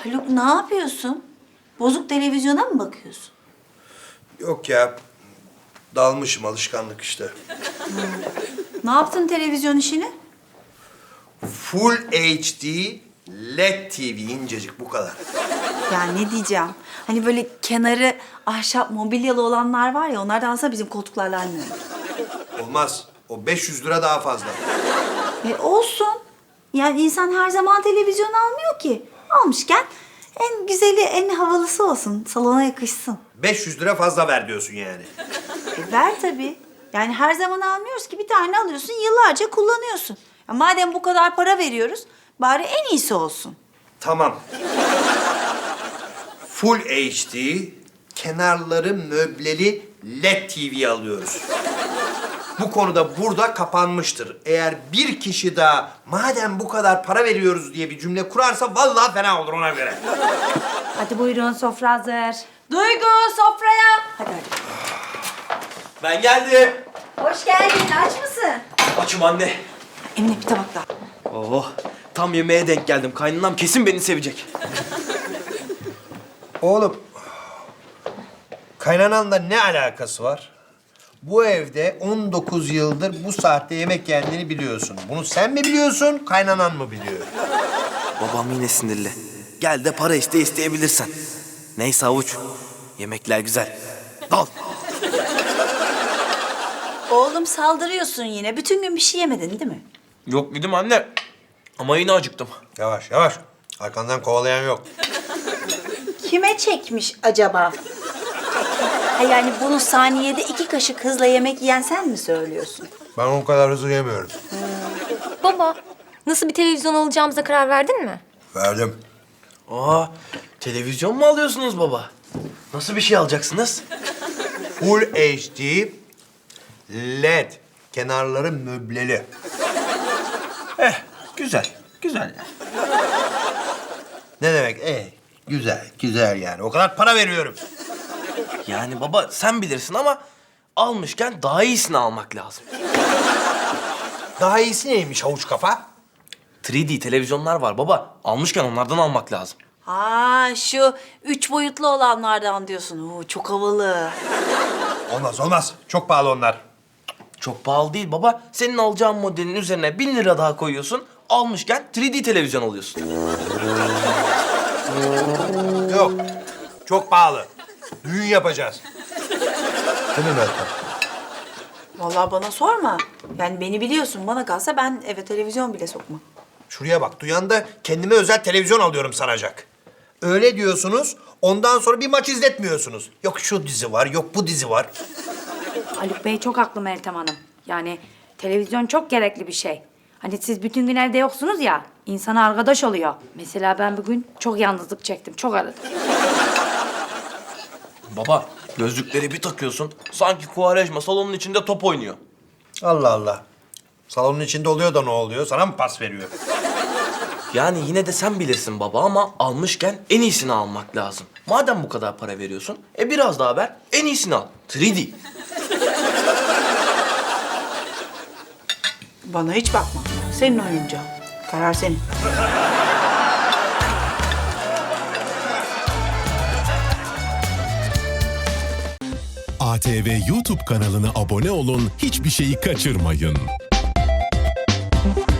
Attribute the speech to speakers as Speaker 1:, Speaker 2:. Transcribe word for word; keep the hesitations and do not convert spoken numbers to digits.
Speaker 1: Haluk ne yapıyorsun? Bozuk televizyona mı bakıyorsun?
Speaker 2: Yok ya. Dalmışım, alışkanlık işte.
Speaker 1: Ne yaptın televizyon işini?
Speaker 2: Full H D L E D T V incecik, bu kadar.
Speaker 1: Ya ne diyeceğim? Hani böyle kenarı ahşap mobilyalı olanlar var ya, onlardan alsa bizim koltuklarla aynı.
Speaker 2: Olmaz. O beş yüz lira daha fazla.
Speaker 1: E olsun. Yani insan her zaman televizyon almıyor ki. Almışken en güzeli, en havalısı olsun. Salona yakışsın.
Speaker 2: beş yüz lira fazla ver diyorsun yani.
Speaker 1: E ver tabii. Yani her zaman almıyoruz ki, bir tane alıyorsun, yıllarca kullanıyorsun. Ya madem bu kadar para veriyoruz, bari en iyisi olsun.
Speaker 2: Tamam. Full H D, kenarları möbleli L E D T V alıyoruz. Bu konuda burada kapanmıştır. Eğer bir kişi daha madem bu kadar para veriyoruz diye bir cümle kurarsa vallahi fena olur, ona göre.
Speaker 1: Hadi buyurun, sofra hazır. Duygu, sofraya. Hadi hadi.
Speaker 3: Ben geldim.
Speaker 1: Hoş geldin, aç mısın?
Speaker 3: Açım anne.
Speaker 1: Emine bir tabak daha.
Speaker 3: Oh, tam yemeğe denk geldim. Kaynanam kesin beni sevecek.
Speaker 2: Oğlum, kaynananla ne alakası var? Bu evde on dokuz yıldır bu saatte yemek yendiğini biliyorsun. Bunu sen mi biliyorsun, kaynanan mı biliyor?
Speaker 3: Babam yine sinirli. Gel de para iste, isteyebilirsen. Neyse havuç. Yemekler güzel. Dal.
Speaker 1: Oğlum saldırıyorsun yine. Bütün gün bir şey yemedin değil mi?
Speaker 3: Yok dedim anne. Ama yine acıktım.
Speaker 2: Yavaş yavaş. Arkandan kovalayan yok.
Speaker 1: Kime çekmiş acaba? Ha yani bunu saniyede iki kaşık hızla yemek yiyen sen mi söylüyorsun?
Speaker 2: Ben o kadar hızlı yemiyorum.
Speaker 4: Baba, nasıl bir televizyon alacağımıza karar verdin mi?
Speaker 2: Verdim.
Speaker 3: Aa, televizyon mu alıyorsunuz baba? Nasıl bir şey alacaksınız?
Speaker 2: Full H D L E D. Kenarları möbleli.
Speaker 3: Eh, güzel. Güzel.
Speaker 2: Ne demek? Eh, güzel, güzel yani. O kadar para veriyorum.
Speaker 3: Yani baba sen bilirsin ama almışken daha iyisini almak lazım.
Speaker 2: Daha iyisi neymiş havuç kafa?
Speaker 3: üç D televizyonlar var baba. Almışken onlardan almak lazım.
Speaker 1: Ha şu üç boyutlu olanlardan diyorsun. Oo, çok havalı.
Speaker 2: Olmaz, olmaz. Çok pahalı onlar.
Speaker 3: Çok pahalı değil baba. Senin alacağın modelin üzerine bin lira daha koyuyorsun. Almışken üç D televizyon alıyorsun.
Speaker 2: Yok, çok pahalı. Düğün yapacağız. Değil mi Meltem?
Speaker 1: Vallahi bana sorma. Yani beni biliyorsun. Bana kalsa ben eve televizyon bile sokmam.
Speaker 2: Şuraya bak, duyan da kendime özel televizyon alıyorum sanacak. Öyle diyorsunuz, ondan sonra bir maç izletmiyorsunuz. Yok şu dizi var, yok bu dizi var.
Speaker 5: Haluk Bey çok haklı Meltem Hanım. Yani televizyon çok gerekli bir şey. Hani siz bütün gün evde yoksunuz ya, insana arkadaş oluyor. Mesela ben bugün çok yalnızlık çektim, çok aradım.
Speaker 3: Baba gözlükleri bir takıyorsun. Sanki Kuvarejma salonun içinde top oynuyor.
Speaker 2: Allah Allah. Salonun içinde oluyor da ne oluyor? Sana mı pas veriyor?
Speaker 3: Yani yine de sen bilirsin baba ama almışken en iyisini almak lazım. Madem bu kadar para veriyorsun, e biraz daha ver, en iyisini al. üç D.
Speaker 1: Bana hiç bakma. Senin oyuncağın. Karar senin.
Speaker 6: A T V YouTube kanalına abone olun, hiçbir şeyi kaçırmayın.